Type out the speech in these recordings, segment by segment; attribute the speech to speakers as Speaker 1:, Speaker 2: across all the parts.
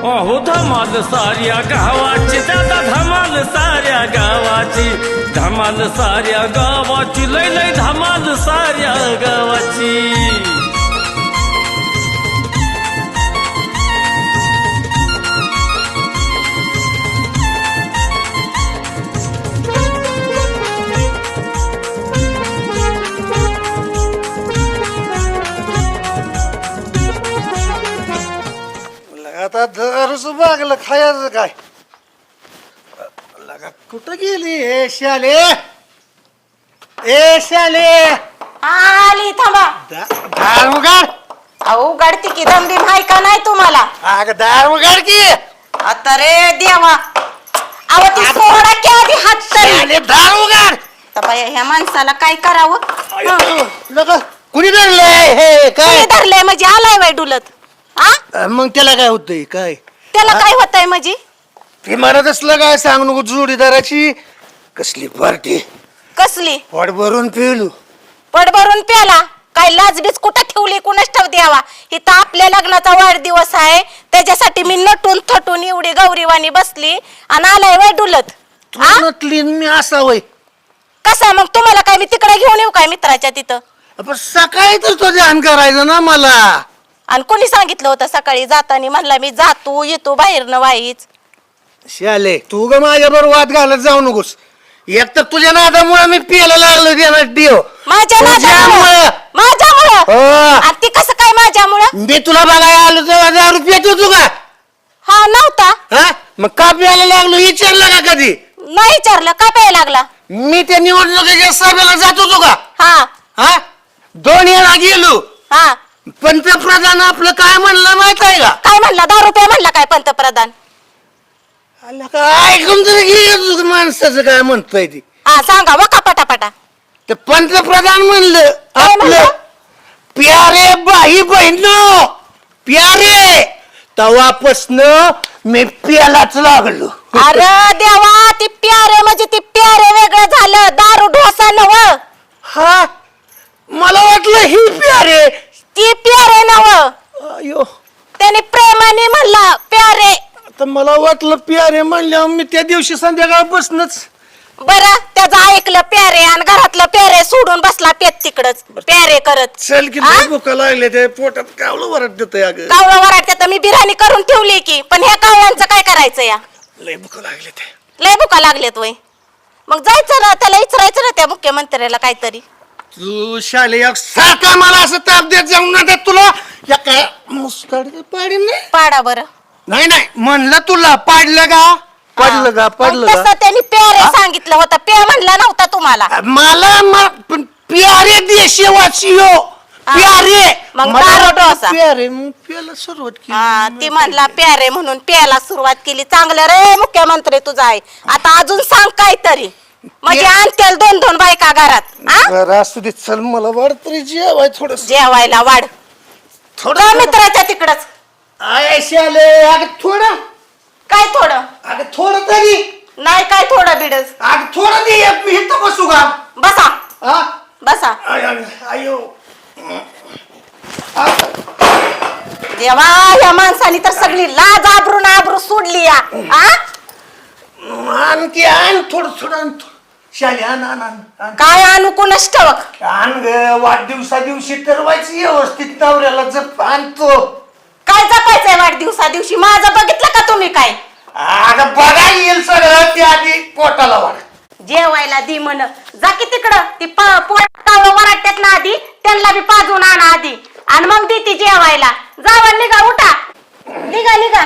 Speaker 1: अहो धमाल साऱ्या गावाची दादा धमाल साऱ्या गावाची धमाल साऱ्या गावाची लय लय धमाल साऱ्या गावाची
Speaker 2: आता दरच बागलं खायचं काय लगा कुठं गेली ए शाले
Speaker 3: आली थांबा.
Speaker 2: दार उघड
Speaker 3: अहो उघडती की दमबी माय का नाही तुम्हाला?
Speaker 2: अग दार उघड की
Speaker 3: आता रे देवा अहो ती सोडा की आधी हात तरी.
Speaker 2: शाले दार उघड
Speaker 3: बाया ह्या माणसाला काय करावं?
Speaker 2: लगा कुणी धरलंय हे काय
Speaker 3: धरलंय म्हणजे आलाय बाय डुलत. आ
Speaker 2: मग त्याला काय होतंय काय
Speaker 3: त्याला काय होतंय म्हणजे?
Speaker 2: ती म्हणत असलं काय सांग नको जोडीदाराची कसली पार्टी
Speaker 3: कसली
Speaker 2: पोट भरून पिळू
Speaker 3: पड भरून प्याला काय लाजबीज कुठं ठेवली कुणाच ठाव द्यावा. इथं आपल्या लग्नाचा वाढदिवस आहे त्याच्यासाठी मी नटून थटून एवढी गौरीवाणी बसली आणि आलाय बाय डुलत. आ
Speaker 2: नटली मी असावय
Speaker 3: कसा मग तुम्हाला काय मी तिकडे घेऊन येऊ काय मित्राच्या तिथं?
Speaker 2: पण सकाळी तर तो ध्यान करायचं ना मला
Speaker 3: आणि कोणी सांगितलं होतं सकाळी जाताना म्हणला मी जातो येतो बाहेरनं वाईच.
Speaker 2: शाले तू ग माझ्या बरोबर वाद घालत जाऊ नकोस. एक तर तुझ्या नादामुळे मी पियाला लागलो देणार देव
Speaker 3: माझ्या
Speaker 2: तुझ्यामुळं.
Speaker 3: माझ्यामुळं
Speaker 2: हो.
Speaker 3: आणि ती कसं काय माझ्यामुळं?
Speaker 2: मी तुला बघायला आलो तेव्हा 10 रुपये तू का
Speaker 3: हा नव्हता.
Speaker 2: हा मग का प्यायला लागलो विचारलं का कधी?
Speaker 3: नाही विचारलं का प्यायला लागला?
Speaker 2: मी त्या निवडणुकीच्या सभेला जात होतो का?
Speaker 3: हा
Speaker 2: हा 2 वेळा गेलो.
Speaker 3: हा
Speaker 2: पंतप्रधान आपलं काय म्हणलं माहित आहे का?
Speaker 3: काय म्हणला? 10 रुपये म्हणला काय पंतप्रधान?
Speaker 2: आला का ऐकून तरी घे माणसाचं काय म्हणतोय ती.
Speaker 3: हा सांगा व का पटापटा.
Speaker 2: ते पंतप्रधान म्हणलं
Speaker 3: काय
Speaker 2: आपलं
Speaker 3: म्हणलं?
Speaker 2: प्यारे बाई बहिणो प्यारे तवापासनं मी प्यालाच लागलो.
Speaker 3: अरे देवा ती प्यारे म्हणजे ती प्यारे वेगळं झालं दारू ढोसा नव.
Speaker 2: हा मला वाटलं ही प्यारे
Speaker 3: ती प्यारे नव.
Speaker 2: अयो
Speaker 3: त्याने प्रेमाने म्हणला प्यारे.
Speaker 2: आता मला वाटलं प्यारे म्हणल्यावर मी त्या दिवशी संध्याकाळपासूनच
Speaker 3: बरं त्याचं ऐकलं प्यारे आणि घरातलं प्यारे सोडून बसला पेत तिकडच प्यारे करत.
Speaker 2: चल की
Speaker 3: आ?
Speaker 2: भुका लागले ते पोटात कावलं वरट देतोय अगं
Speaker 3: कावळं वराडते तर मी बिर्याणी करून ठेवली की पण ह्या कावळ्यांचं काय करायचं या?
Speaker 2: लय भुका लागले ते.
Speaker 3: लय भुका लागलेत वय. मग जायचं ना त्याला विचारायचं ना त्या मुख्यमंत्र्याला काहीतरी.
Speaker 2: तू शाले सारखा मला असं ताप देत जाऊ ना देत तुला या काय मुस्काड पाडी नाही
Speaker 3: पाडा बरं.
Speaker 2: नाही नाही म्हणलं तुला पाडलं का पडलं का पडलं
Speaker 3: तसं
Speaker 2: का
Speaker 3: त्यांनी प्यारे सांगितलं होतं पे म्हणला नव्हता तुम्हाला.
Speaker 2: मला पण प्यारे देशवासी हो प्यारे
Speaker 3: मग
Speaker 2: मला
Speaker 3: दारू
Speaker 2: वाटलं
Speaker 3: डोसा.
Speaker 2: प्यारे मग प्याला सुरुवात
Speaker 3: हा
Speaker 2: केली
Speaker 3: ती म्हणला प्यारे म्हणून प्यायला सुरुवात केली. चांगलं रे मुख्यमंत्री तुझा आहे. आता अजून सांग काहीतरी म्हणजे आणतील 2-2 बायका घरात. आ?
Speaker 2: बरं असू दे चल मला वाढ तरी जेवाय थोडस
Speaker 3: जेवायला वाढ
Speaker 2: थोडं
Speaker 3: मित्राच्या तिकडच.
Speaker 2: आय शाले अगं थोडं
Speaker 3: काय थोडं
Speaker 2: अगं थोडं तरी
Speaker 3: नाही काय थोडं बिडच.
Speaker 2: अगं थोडं दे मी इथं बसू का
Speaker 3: बसा
Speaker 2: हा
Speaker 3: बसा.
Speaker 2: आयो
Speaker 3: देवा या माणसाने तर सगळी लाज आबरू सोडली या. आ?
Speaker 2: आणखी आण थोडं थोडं आण शाले आण आण आण
Speaker 3: काय आणू कोणच ठेवक.
Speaker 2: आण ग वाढदिवसा दिवशी तर व्हायची व्यवस्थित नवऱ्याला जप आणतो.
Speaker 3: काय जपायचंय वाढदिवसा दिवशी माझं बघितलं का तुम्ही काय?
Speaker 2: अगं बघा येईल सगळं ते आधी पोटाला वाढ
Speaker 3: जेवायला दी म्हण जा की तिकडं ती पोटावं वराट्यात ना आधी त्यांना बी पाजून आणा आधी आणि मग दी ती जेवायला. जावा निघा उठा निघा निघा.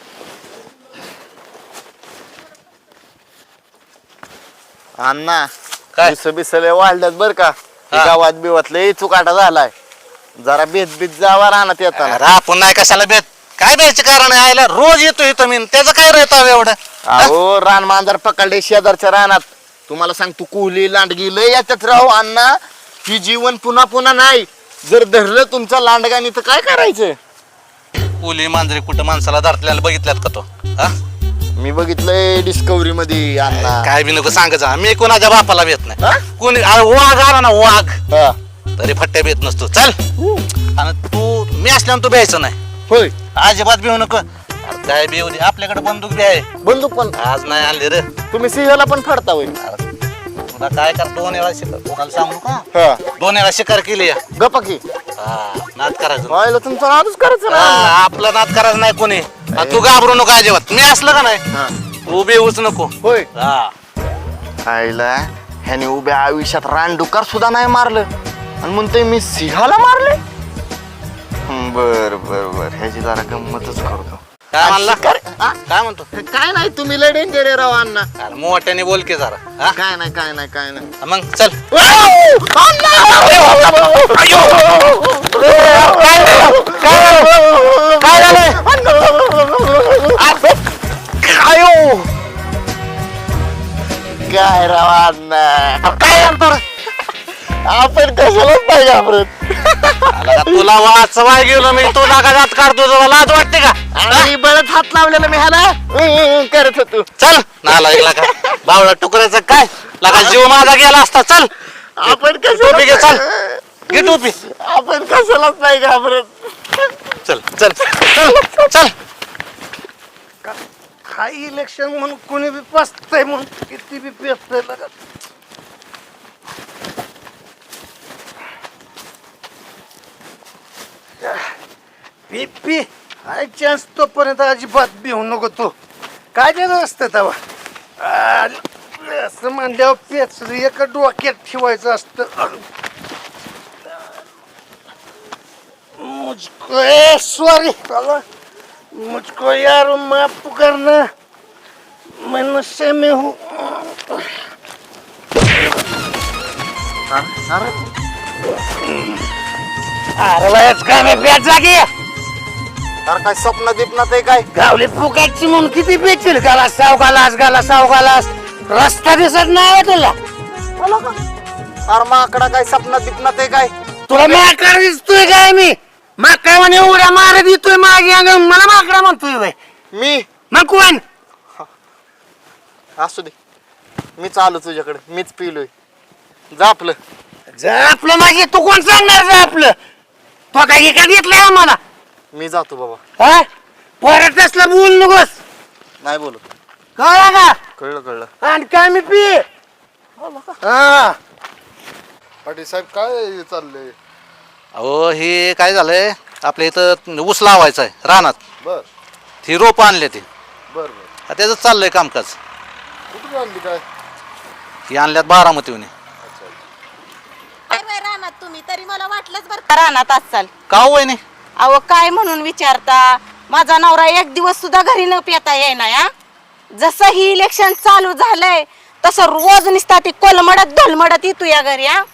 Speaker 4: अण्णा
Speaker 5: काय?
Speaker 4: बिसले वाढल्यात बर का गावात बिवातले चुकाटा झालाय जरा बेत जावा राहणार येताना.
Speaker 5: अरे आपण नाही कशाला बेत काय बेच कारण आहे आयला रोज येतो इथं मी त्याचं काय राहतं एवढं.
Speaker 4: अहो रान मांजर पकडले शेजारच्या रानात तुम्हाला सांगतो कुहली लांडगी लय याच्यात राहू अण्णा ही जीवन पुन्हा पुन्हा नाही. जर धरलं तुमचं लांडगानी तर काय करायचं?
Speaker 5: पुली मांजरी कुठं माणसाला धरल्याला बघितल्यात का तो? हा?
Speaker 4: मी बघितलंय डिस्कवरी मध्ये अण्णा.
Speaker 5: काय बी नको सांगायचं मी कोणाच्या बापाला भेट
Speaker 4: हा?
Speaker 5: नाही. कोणी अरे वाघ आला ना वाघ
Speaker 4: हा.
Speaker 5: तरी फट्ट्या भेट नसतो. चल आणि तू मी असल्यावर तू भ्यायचं नाही
Speaker 4: होय
Speaker 5: अजिबात भिवू नको. अरे काय बी येऊ दे, आपल्याकडे बंदूक बी आहे.
Speaker 4: बंदूक पण
Speaker 5: आज नाही आणली रे.
Speaker 4: तुम्ही सिंहाला पण फडता होय.
Speaker 5: अरे, तुला काय कर, 2 वेळा शिकार, कोणाला सांगू का?
Speaker 4: हा
Speaker 5: 2 वेळा शिकार केली या.
Speaker 4: गप्पा की
Speaker 5: नाद करायचं.
Speaker 4: व्हायला तुमचा नादच करायचं ना.
Speaker 5: आपला नाद करायचं नाही कोणी. तू घाबरू नको अजिबात. मी असलं का नाही,
Speaker 4: हा.
Speaker 5: तू बी येऊच नको.
Speaker 4: होय
Speaker 5: हा
Speaker 4: आईला ह्याने उभ्या आयुष्यात रानडुकार सुद्धा नाही मारलं आणि म्हणतोय मी सिंहाला मारले. बर बर बर ह्याची जरा गंमतच करतो.
Speaker 5: काय म्हणला?
Speaker 4: शिकार- हा?
Speaker 5: काय म्हणतो?
Speaker 4: काय नाही तुम्ही लय डेंजर आहे राव अण्णा.
Speaker 5: अरे मोठ्याने बोल की जरा. हा?
Speaker 4: काय नाही काय नाही काय नाही.
Speaker 5: मग चल.
Speaker 4: काय झालंय? काय राव अण्णा
Speaker 5: काय म्हणतो रे?
Speaker 4: आपण कशालाच नाही घाबरत.
Speaker 5: आला का तुला वाचवाय गेलो मी, तू नाका जात काढतो, तुला लाज वाटते का?
Speaker 4: आणि बरंच हात लावलेला मी ह्याला करत होतो.
Speaker 5: चल नाला ऐकला का बावळा टुकऱ्याचं काय लगा जीव माझा गेला असता. चल
Speaker 4: आपण
Speaker 5: टोपी घे, चल
Speaker 4: कशाला
Speaker 5: घे टोपी.
Speaker 4: आपण कशालाच नाही घाबरत.
Speaker 5: चल चल चल चल.
Speaker 2: काय इलेक्शन म्हणून कोणी बी पसतंय म्हणून किती बी पेसतंय लगा. पी पी हाय चान्स तोपर्यंत अजिबात भिवू नको तू. काय देणं असतं तेव्हा असं म्हणल्यावर पेच एका डोक्यात ठेवायचं असतं. मुझको सॉरी मुझको यार माफ करना मैं नशे में हूँ. अरे वयच काय मी पेट जागी
Speaker 4: अरे काय स्वप्न दिपनात आहे काय?
Speaker 2: गावली फुकाटची म्हणून किती पेचील गालास साव गालास रस्ता दिसत नाही तुला.
Speaker 4: अरे माकडा काय स्वप्न दिपनात आहे काय?
Speaker 2: तुला माकडा दिसतोय काय मी माकडा म्हणे उड्या मारत येतोय मागे अंग मला माकडा म्हणतोय बाई.
Speaker 4: मी
Speaker 2: मग कोण
Speaker 4: असू दे मी चालू तुझ्याकडे मीच पिलोय. जा आपलं.
Speaker 2: जा आपलं मागे तू कोण सांगणार जा आपलं तो काय एका घेतलंय आम्हाला.
Speaker 4: मी जातो बाबा.
Speaker 2: हा परत असला बोल नकोस
Speaker 4: नाही बोलत.
Speaker 2: कळलं का.
Speaker 4: कळलं कळलं.
Speaker 2: आणि काय मी पी हा
Speaker 6: पाटील साहेब काय चाललंय?
Speaker 5: अहो हे काय झालंय, आपल्या इथं ऊस लावायचा आहे रानात.
Speaker 6: बर
Speaker 5: ही रोप आणले ते,
Speaker 6: बर बर
Speaker 5: त्याचं चाललंय कामकाज.
Speaker 6: कुठून आणली काय?
Speaker 5: ही आणल्यात बारामतीहून.
Speaker 3: काय बाई रानात तुम्ही तरी मला वाटलंच बरं का रानात असाल.
Speaker 5: का हो वहिनी?
Speaker 3: अहो काय म्हणून विचारता, माझा नवरा एक दिवस सुद्धा घरी न पेता येईना. या जसं ही इलेक्शन चालू झालंय तसं रोज निसता ती कोलमडत ढोलमडत येतो या घरी. हा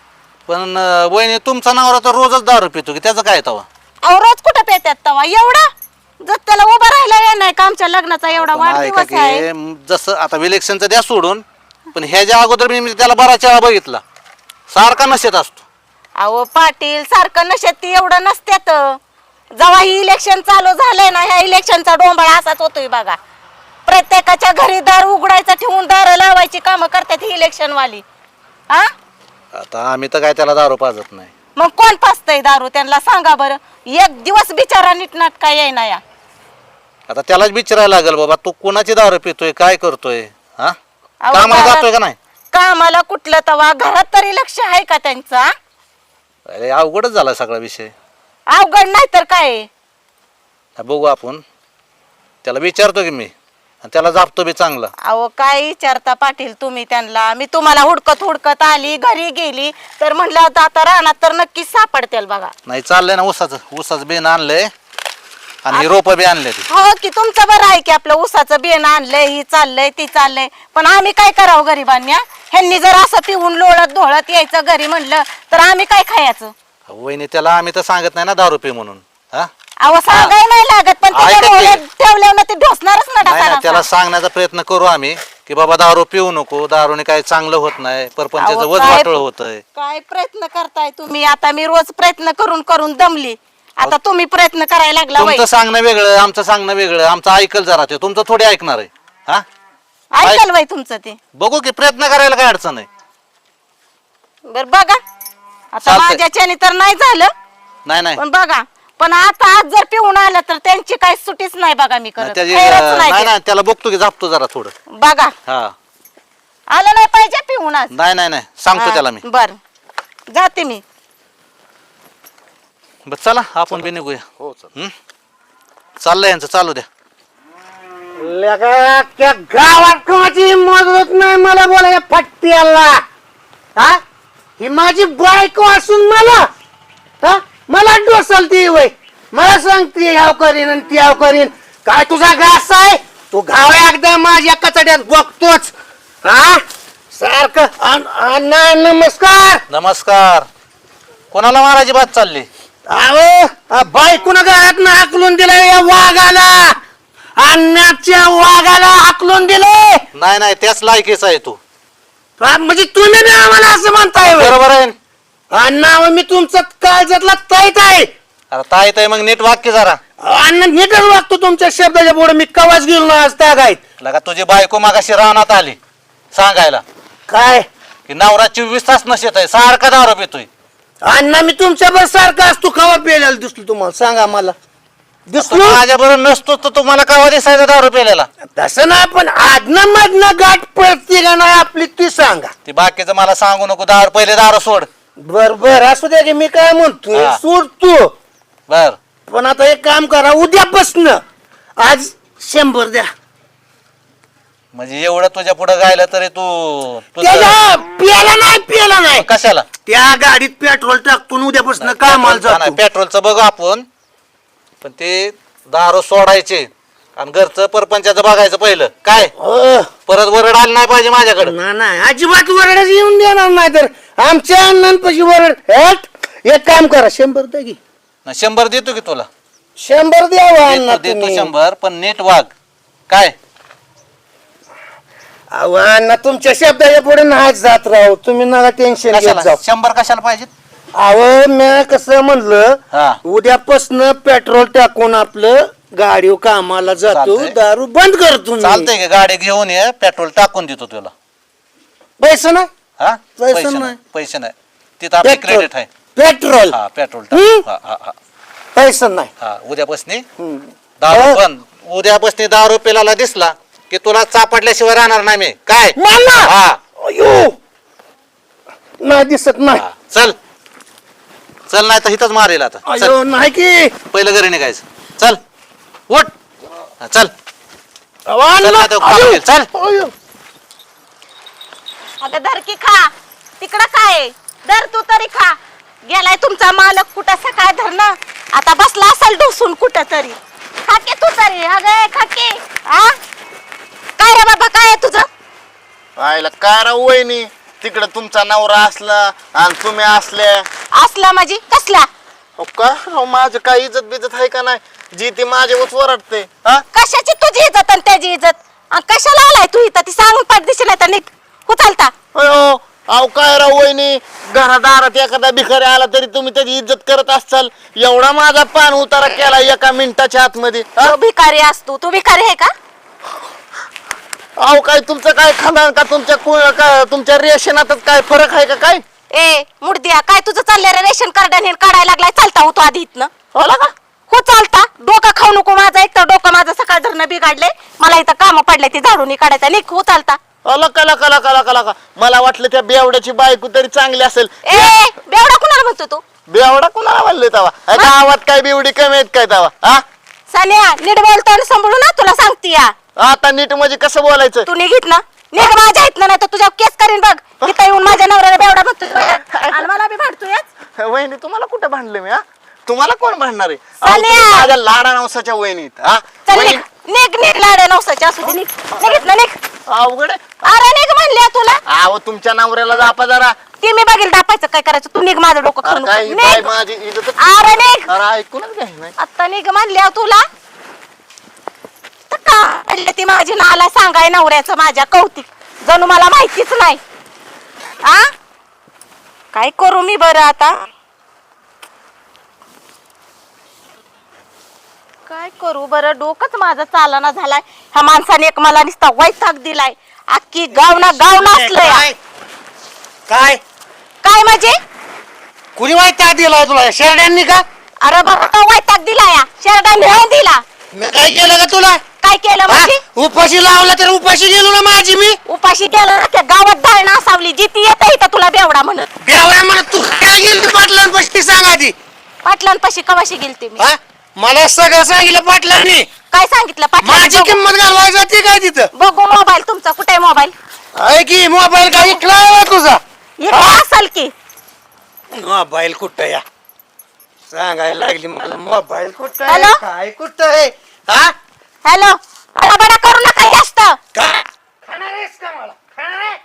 Speaker 5: पण वहिनी तुमचा नवरा तर रोजच दारू पितो की, त्याचं काय तवा?
Speaker 3: अहो रोज कुठं पेतात तवा एवढा जर त्याला उभं राहिला ये नाही का आमच्या लग्नाचा एवढा
Speaker 5: पण ऐका
Speaker 3: वाढदिवस आहे.
Speaker 5: की जसं आता इलेक्शनचं द्या सोडून, पण ह्याच्या अगोदर मी त्याला बराच वेळा बघितला सारखा नशेत असतो.
Speaker 3: अहो पाटील सारखं नशेत ती एवढं नसत्यात. जेव्हा ही इलेक्शन चालू झालंय ना ह्या इलेक्शनचा डोंबाळा असाच होतोय बघा. प्रत्येकाच्या घरी दार उघडायचं ठेवून दार लावायची कामं करतात ही इलेक्शन वाली. हा
Speaker 5: आता आम्ही तर काय त्याला दारू पाजत नाही.
Speaker 3: मग कोण पाचतय दारू त्यांना सांगा बरं. एक दिवस बिचारा नीटनाट काय येईना. या
Speaker 5: आता त्यालाच विचारायला लागेल बाबा तू कोणाची दारू पितोय, काय करतोय, हा
Speaker 3: अहो,
Speaker 5: कामाला
Speaker 3: घरात-
Speaker 5: जातोय का नाही?
Speaker 3: कामाला कुठलं तवा घरात तरी लक्ष आहे का त्यांचा.
Speaker 5: अरे अवघडच झाला सगळा विषय.
Speaker 3: अवघड नाही तर काय.
Speaker 5: बघू आपण, त्याला विचारतो की मी, आणि त्याला जापतो बी चांगला.
Speaker 3: अहो काय विचारता पाटील तुम्ही त्यांना. मी तुम्हाला हुडकत आली घरी गेली तर म्हटलं आता रानात तर नक्कीच सापडतील बघा.
Speaker 5: नाही चाललंय ना ऊसाचं बेन आणलंय आणि रोप बी आणले ते.
Speaker 3: हो की तुमचं बरं आहे की आपलं ऊसाचं बियाण आणलंय ही चाललंय ती चाललंय. पण आम्ही काय करावं गरिबांनी. ह्यांनी जर असं पिऊन लोळत ढोळत यायचं घरी म्हणलं तर आम्ही काय खायचं.
Speaker 5: वहिनी त्याला आम्ही तर सांगत नाही ना दारू पी म्हणून. हा
Speaker 3: अहो सांगाय नाही लागत पण
Speaker 5: ऐका की.
Speaker 3: ठेवल्यावर ना ते ढोसणारच ना
Speaker 5: नाही ना,
Speaker 3: डासा
Speaker 5: त्याला
Speaker 3: डासा.
Speaker 5: सांगण्याचा प्रयत्न करू आम्ही की बाबा दारू पिऊ नको, दारूने काही चांगलं होत नाही, परपंचाचं
Speaker 3: अहो,
Speaker 5: वज
Speaker 3: काय-
Speaker 5: वाटळ होतंय.
Speaker 3: काय प्रयत्न करताय तुम्ही. आता मी रोज प्रयत्न करून दमली. आता तुम्ही प्रयत्न करायला लागला वय.
Speaker 5: तुमचं सांगणं वेगळं, आमचं सांगणं वेगळं. आमचं ऐकल जरा ते, तुमचं थोडी ऐकणार आहे. हा
Speaker 3: ऐकाल वय तुमचं ते.
Speaker 5: बघू की प्रयत्न करायला काय अडचण आहे.
Speaker 3: बर बघा आता
Speaker 5: चालतंय.
Speaker 3: माझ्याच्याने तर नाही झालं
Speaker 5: नाही नाही
Speaker 3: पण बघा पण आता आज जर पिऊन आलं तर त्यांची काही सुटीच नाही बघा मी करत खैरच नाही
Speaker 5: नाही
Speaker 3: ते.
Speaker 5: नाही त्याला बघतो की जापतो जरा थोडं.
Speaker 3: बघा
Speaker 5: हा
Speaker 3: आलं नाही पाहिजे पिऊन आज.
Speaker 5: नाही सांगतो त्याला मी.
Speaker 3: बर जाते मी.
Speaker 5: बस चला आपण बी निघूया.
Speaker 6: हो चल.
Speaker 5: चाललंय यांचं चालू द्या.
Speaker 2: लगा त्या गावात कोणाची मदत नाही मला बोलायला फट्ट्याला. हा ही माझी बायको असून मला हा मला डोसलती वय मला सांगते ह्याव करीन आणि त्याव करीन. काय तुझा घास आहे तू घाव एकदा माझ्या कचड्यात बघतोच. हा सारखं अण्णा नमस्कार.
Speaker 5: नमस्कार. कोणाला मारायची बात चालली?
Speaker 2: अहो बायकोन घरात ना हाकलून दिलं या वाघाला. अण्णाच्या वाघाला हाकलून दिले.
Speaker 5: नाही त्याच लायकीचा आहे तू.
Speaker 2: म्हणजे तुम्ही बी आम्हाला असं म्हणताय व्हय?
Speaker 5: बरोबर आहे.
Speaker 2: अण्णा मी तुमचा काळजातला तैत आहे.
Speaker 5: अरे ताई ताई मग नीट वाक्य जरा.
Speaker 2: अण्णा नीटच वागतो तुमच्या शब्दाच्या पुढे. मी कवाच गेलो ना आज त्या गायत.
Speaker 5: लगा तुझी बायको मागाशी रानात आली सांगायला
Speaker 2: काय
Speaker 5: की नवरा 24 तास नशेत आहे, सारखा दारू पितोय.
Speaker 2: अण्णा मी तुमच्यावर सारखा असतो कवा पेलेला दिसलो तुम्हाला सांगा मला दिसलो?
Speaker 5: माझ्या बरोबर नसतो तर तुम्हाला कावा दिसायचा दारू पिलेला?
Speaker 2: तसं नाही पण आदनं मधनं गाठ पडते का नाही आपली ती सांगा.
Speaker 5: ती बाकीचं मला सांगू नको. दारू पहिले दारू सोड.
Speaker 2: बर बर असू द्या की मी काय म्हणतोय
Speaker 5: हा.
Speaker 2: सोडतो.
Speaker 5: बर
Speaker 2: पण आता एक काम करा उद्यापासून आज 100 द्या.
Speaker 5: म्हणजे एवढं तुझ्या पुढे गायलं तरी तू
Speaker 2: त्याच्या पियाला नाही
Speaker 5: कशाला?
Speaker 2: त्या गाडीत पेट्रोल टाकून उद्यापासून कामाला जातो.
Speaker 5: पेट्रोलचं बघू आपण, पण ते दारू सोडायचे आणि घरचं परपंचाचं बघायचं पहिलं. काय
Speaker 2: हो.
Speaker 5: परत वरड आली नाही पाहिजे माझ्याकडे.
Speaker 2: नाही अजिबात वरडच येऊन देणार नाही तर आमच्या अण्णांपाशी वरड. एक काम करा 100 द्या की.
Speaker 5: 100 देतो की तुला.
Speaker 2: 100 द्यावा अण्णा
Speaker 5: देतो
Speaker 2: तुम्ही.
Speaker 5: 100 पण नीट वाग. काय
Speaker 2: अहो, अण्णा तुमच्या शब्दाच्या पुढे नाही जात राहू. तुम्ही नका टेन्शन घेत
Speaker 5: कशाला
Speaker 2: जाऊ.
Speaker 5: 100 कशाला पाहिजे?
Speaker 2: अहो मी कसं म्हणलं
Speaker 5: हा.
Speaker 2: उद्यापासून पेट्रोल टाकून आपलं गाडी कामाला जातो.
Speaker 5: चालतंय.
Speaker 2: दारू बंद करतो मी.
Speaker 5: चालतंय की गाडी घेऊन ये, पेट्रोल टाकून देतो तुला.
Speaker 2: पैसे नाही
Speaker 5: हा
Speaker 2: पैसे
Speaker 5: पैसे
Speaker 2: नाही.
Speaker 5: नाही. पैसे नाही. तिथं आपली
Speaker 2: पेट्रोल
Speaker 5: क्रेडिट आहे.
Speaker 2: पेट्रोल
Speaker 5: हा पेट्रोल
Speaker 2: हम्म.
Speaker 5: टाक. हा हा हा
Speaker 2: पैसे नाही.
Speaker 5: हा उद्यापासून
Speaker 2: हम्म.
Speaker 5: दारू पण उद्यापासून दारू पिलाला दिसला की तुला चापडल्याशिवाय राहणार नाही मी. काय
Speaker 2: मला
Speaker 5: हा
Speaker 2: अयो नाही दिसत नाही.
Speaker 5: हा. चल चल नाही तर इथंच मारेल आता. चल
Speaker 2: अयो नाही की
Speaker 5: पहिलं घरी निघायचं. चल उठ. हा, चल
Speaker 2: अहो, अण्णा,
Speaker 5: चल ना, तो
Speaker 2: अयो,
Speaker 5: खाली, चल.
Speaker 2: अयो.
Speaker 3: अगं धर की खा. तिकडं काय धर तू तरी खा. गेलाय तुमचा मालक कुठं सकाळ धरणं. आता बसला असेल ढोसून कुठं तरी. खाके तू तरी. अगं खाके. हा काय रे बाबा काय आहे तुझं?
Speaker 4: आयला काय राव वहिनी तिकडे तुमचा नवरा असला आणि तुम्ही असल्या.
Speaker 3: असला माझी कसला
Speaker 4: अहो, का राव माझं काय इज्जत बिजत आहे का नाही? जी ती माझ्यावर वरडते. हा
Speaker 3: कशाची तुझी इज्जत आणि त्याची इज्जत? आणि कशाला आलाय तू इथं? ती सांगून पाठदिशी नाही तर निघ. उचलता
Speaker 4: अयो अहो काय राव वहिनी घरादारात एखादा भिकारी आला तरी तुम्ही त्याची इज्जत करत असाल. एवढा माझा पान उतारा केला एका मिनिटाच्या आतमध्ये. हा?
Speaker 3: तू भिकारी असतो. तू भिकारी आहे का?
Speaker 4: अहो काय तुमचं काय खानदान का तुमच्या रेशनातच काय फरक आहे का काय?
Speaker 3: ए मुडदिया काय तुझं चाललंय रे? रेशन कार्ड आणि काढायला लागलाय. चालता होतो आधी इथनं.
Speaker 4: होला का?
Speaker 3: हो चालता. डोका खाऊ नको माझा. एक तर डोकं माझं सकाळ धरणं बिघडलंय. मला इथं काम पडले ते झाडून काढायचं. निघ हो चालता.
Speaker 4: कला मला वाटलं त्या बेवड्याची बायको तरी चांगली असेल.
Speaker 3: ए बेवडा कुणाला म्हणतो तू?
Speaker 4: बेवडा कुणाला म्हणले तवा? गावात काय बेवडी कमी आहेत काय तवा? हा
Speaker 3: सानिया नीट बोलतो आणि सांभाळू ना. तुला सांगते या.
Speaker 4: आता नीट म्हणजे कसं बोलायचं?
Speaker 3: तू निघित ना. निघ माझ्या इथनं नाही तर तुझ्या केस करीन बघ. इथं येऊन माझ्या नवऱ्याला बेवडा म्हणतो आणि मला बी भांडतोय.
Speaker 4: वहिनी तुम्हाला कुठं भांडले मी? हा तुम्हाला कोण भांडणार आहे? अहो,
Speaker 3: सानिया!
Speaker 4: तुम्ही माझ्या लाडा नवसाच्या वहिनीत. हा
Speaker 3: चल
Speaker 4: वहिनी,
Speaker 3: निघ निघ निघ लाड्या नवसाच्या असू दे. निघ निघित ना निघ.
Speaker 4: अवघड आहे.
Speaker 3: अरे निघ म्हणले तुला.
Speaker 4: अहो तुमच्या नवऱ्याला जापा जरा.
Speaker 3: ती मी बघेल दापायचं काय करायचं. तू निघ माझं डोकं खाऊ
Speaker 4: अरे काय
Speaker 3: नको.
Speaker 4: बाय
Speaker 3: निघ.
Speaker 4: माझी इज्जत.
Speaker 3: अरे निघ.
Speaker 4: अरे ऐकूनच घ्याय नाही.
Speaker 3: आता निघ म्हणल्या तुला तर का म्हणले ती माझी नाला सांगाय नवऱ्याचं माझ्या कौतिक. जणू मला माहितीच नाही. आ काय करू मी बरं आता? काय करू बरं? डोकंच माझं चालना झालाय. ह्या माणसाने एक मला नुसता वैताग दिलाय. अख्खी गाव नाचलंय.
Speaker 2: काय काय
Speaker 3: काय म्हणजे?
Speaker 2: कुणी माहिती दिलाय तुला शेरड्यांनी का?
Speaker 3: अरे बाबा का वैताग दिला या शेरडा नेऊन दिला.
Speaker 2: मी काय केलं का तुला?
Speaker 3: काय केलं म्हणजे?
Speaker 2: उपाशी लावला तर उपाशी गेलो ना माझी मी.
Speaker 3: उपाशी गेला त्या गावात डाळ नासावली जिती येत इथं तुला बेवडा म्हणत.
Speaker 2: बेवड्या म्हणत तू काय गेली पाटलांपाशी सांग आधी.
Speaker 3: पाटलांपाशी कवाशी गेलते मी?
Speaker 2: हा? मला सगळं सांगितलं पाटलांनी.
Speaker 3: काय सांगितलं
Speaker 2: माझी
Speaker 3: पाटलांनी?
Speaker 2: किंमत घालवायची जाते काय तिथं?
Speaker 3: बघू मोबाईल तुमचा. कुठे आहे मोबाईल?
Speaker 2: आहे की मोबाईल काय इकला तुझा?
Speaker 3: इकडे असेल की.
Speaker 2: मोबाईल कुठं या सांगायला लागली मला. मोबाईल कुठं
Speaker 3: हॅलो?
Speaker 2: आहे काय कुठं आहे? हा
Speaker 3: हॅलो बडा करू नका जास्त.
Speaker 2: काय खाणार आहेस का मला? खाणार आहे?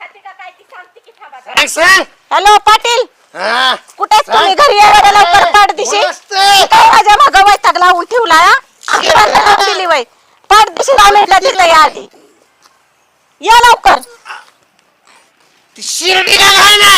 Speaker 2: सांग, सांग.
Speaker 3: हॅलो पाटील
Speaker 2: हा.
Speaker 3: कुठे तुम्ही? घरी यायला लवकर पाठदिशी.
Speaker 2: नमस्ते.
Speaker 3: काय माझ्या मागं वैताग लावून ठेवला हा? अकराला लावून दिली वय. पाठदिशी लावलेला तिकडे या आधी. या लवकर.
Speaker 2: ती शिर्डी का काय नाही?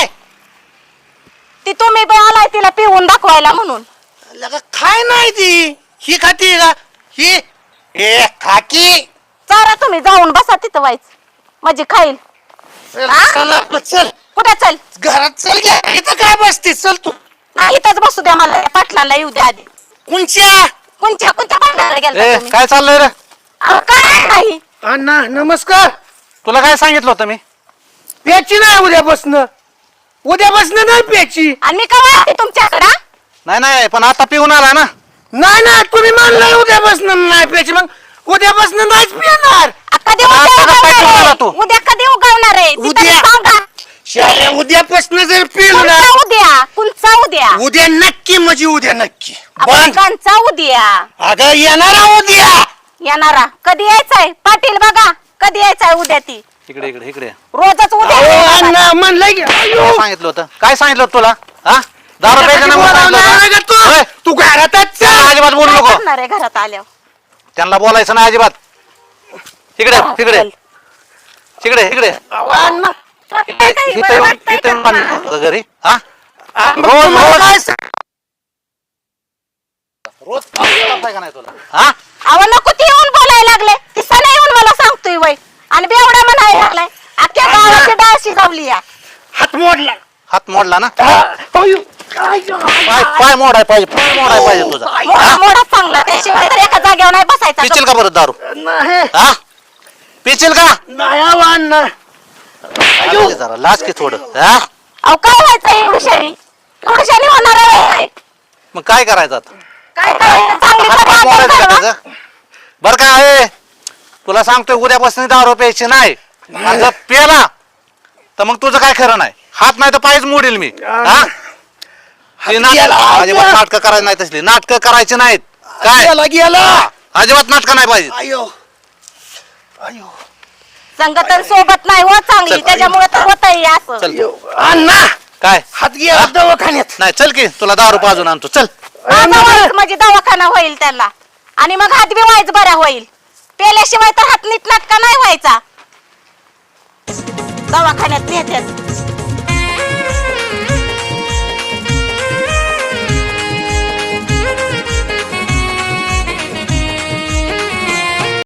Speaker 3: ती तुम्ही बी आलाय तिला पिऊन दाखवायला म्हणून.
Speaker 2: लगा काय नाही ती. ही खाती का ही? ए खाकी.
Speaker 3: चारा तुम्ही जाऊन बसा तिथं व्हायच म्हणजे खाईल.
Speaker 2: चल
Speaker 3: हा?
Speaker 2: चल आपलं, चल
Speaker 3: कुठे चल?
Speaker 2: घरात चल घ्या. इथं काय बसते? चल तू.
Speaker 3: नाही इथंच बसू द्या मला. त्या पाटलांना येऊ द्या आधी.
Speaker 2: कोणच्या?
Speaker 3: कोणत्या कोणत्या पाटलाला गेलता
Speaker 5: ए
Speaker 3: तुम्ही?
Speaker 5: काय चाललंय रे?
Speaker 3: अहो, काय नाही.
Speaker 2: अण्णा नमस्कार.
Speaker 5: तुला काय सांगितलं होतं मी?
Speaker 2: प्याची नाही उद्यापासनं. उद्यापासनं नाही प्याची.
Speaker 3: आणि मी कवा आले तुमच्याकडं?
Speaker 5: नाही नाही पण आता पिऊन आला ना.
Speaker 2: नाही ना तुम्ही म्हणलं उद्यापासनं नाही प्याची. मग उद्यापासनं नाहीच पिणार.
Speaker 3: कधी
Speaker 5: आता
Speaker 3: उद्या
Speaker 5: काय
Speaker 3: उगवणार
Speaker 5: करणार
Speaker 3: आहे?
Speaker 5: तू?
Speaker 3: उद्या कधी उगवणार आहे? ती तरी
Speaker 2: उद्या.
Speaker 3: सांगा.
Speaker 2: शाळा उद्यापासनं जर पिलो ना
Speaker 3: कोणचा उद्या? कोणचा उद्या?
Speaker 2: उद्या नक्की म्हणजे उद्या नक्की.
Speaker 3: आपण
Speaker 2: बंद.
Speaker 3: कोणचा उद्या?
Speaker 2: अगं येणार उद्या.
Speaker 3: येणारा कधी यायचंय? पाटील बघा कधी यायचंय उद्या ती.
Speaker 5: इकडे इकडे इकडे
Speaker 3: रोजच उद्या
Speaker 2: अहो,
Speaker 3: येणार.
Speaker 2: अण्णा म्हणलं की अयो.
Speaker 5: काय सांगितलं होतं? काय सांगितलं होतं तुला? हा दारू प्यायचं नाही म्हणून सांगितलं
Speaker 2: बोलावलं
Speaker 5: होतं?
Speaker 2: का तू?
Speaker 5: होय.
Speaker 2: तू घरातच
Speaker 5: त्यांना
Speaker 2: चल.
Speaker 5: अजिबात बोलू
Speaker 3: काय
Speaker 5: नको.
Speaker 3: करणार आहे घरात आल्यावर?
Speaker 5: त्यांना बोलायचं नाही अजिबात. तिकडे तिकडे
Speaker 3: चल.
Speaker 5: तिकडे इकडे
Speaker 3: अण्णा, काय काही
Speaker 5: इथं
Speaker 3: बरं
Speaker 5: येऊन
Speaker 3: वाटतंय
Speaker 5: इथं येऊन
Speaker 3: का?
Speaker 5: पाणी होतं घरी. हा
Speaker 2: रोज
Speaker 5: रोज.
Speaker 2: काय सांग-
Speaker 5: रोज पाणी का नाही तुला? हा
Speaker 3: अहो नको ती येऊन बोलायला लागले. ती सणा येऊन मला सांगतोय वय आणि बेवडा म्हणायला लागलाय. अख्ख्या गावाची डाळ शिजवली या.
Speaker 2: हात मोडला.
Speaker 5: हात मोडला ना.
Speaker 2: अयो, काय
Speaker 5: पाय पाय मोडाय पाहिजे. पाय मोडाय पाहिजे तुझा.
Speaker 3: मोडा मोडा चांगला. त्याशिवाय तर एका जागेवर नाही बसायचा.
Speaker 5: पिचील का परत दारू?
Speaker 2: नाही
Speaker 5: हा पिचील का?
Speaker 2: नाही अहो, अण्णा.
Speaker 5: अरे जरा लाज की थोडं. हा
Speaker 3: अहो काय व्हायचं एवढ्याशानी? एवढ्याशानी होणार आहे?
Speaker 5: मग काय करायचं आता?
Speaker 3: काय करायचं? चांगली
Speaker 5: हात
Speaker 3: तरी
Speaker 5: पाय मोडायचं
Speaker 3: आदर
Speaker 5: का
Speaker 3: करा.
Speaker 5: त्याचं? बरं का आहे तुला सांगतोय उद्यापासून दारू प्यायची नाही. आणि जर प्याला तर मग तुझं काय खरं नाही. हात नाही तर पायच मोडील मी. हा ती
Speaker 2: गेला, हात
Speaker 5: अजिबात
Speaker 2: गेला.
Speaker 5: नाटकं करायची नाही. तसली नाटकं करायची नाहीत. काय
Speaker 2: गेला गेला.
Speaker 5: अजिबात नाटकं नाही पाहिजे.
Speaker 2: अयो अयो
Speaker 3: संगतन सोबत नाही हो चांगली.
Speaker 5: चल.
Speaker 3: त्याच्यामुळे तर होतंय असं.
Speaker 5: चल
Speaker 2: अयो. अण्णा
Speaker 5: काय
Speaker 2: हात गेला दवाखान्यात.
Speaker 5: नाही चल की तुला दारू पाजून आणतो. चल
Speaker 3: माझा व्हायचं म्हणजे दवाखाना होईल त्याला आणि मग हात बी व्हायचं बरा होईल. पेल्याशिवाय तर हात नीट नाटका नाही व्हायचा. दवाखान्यात नेत्यात.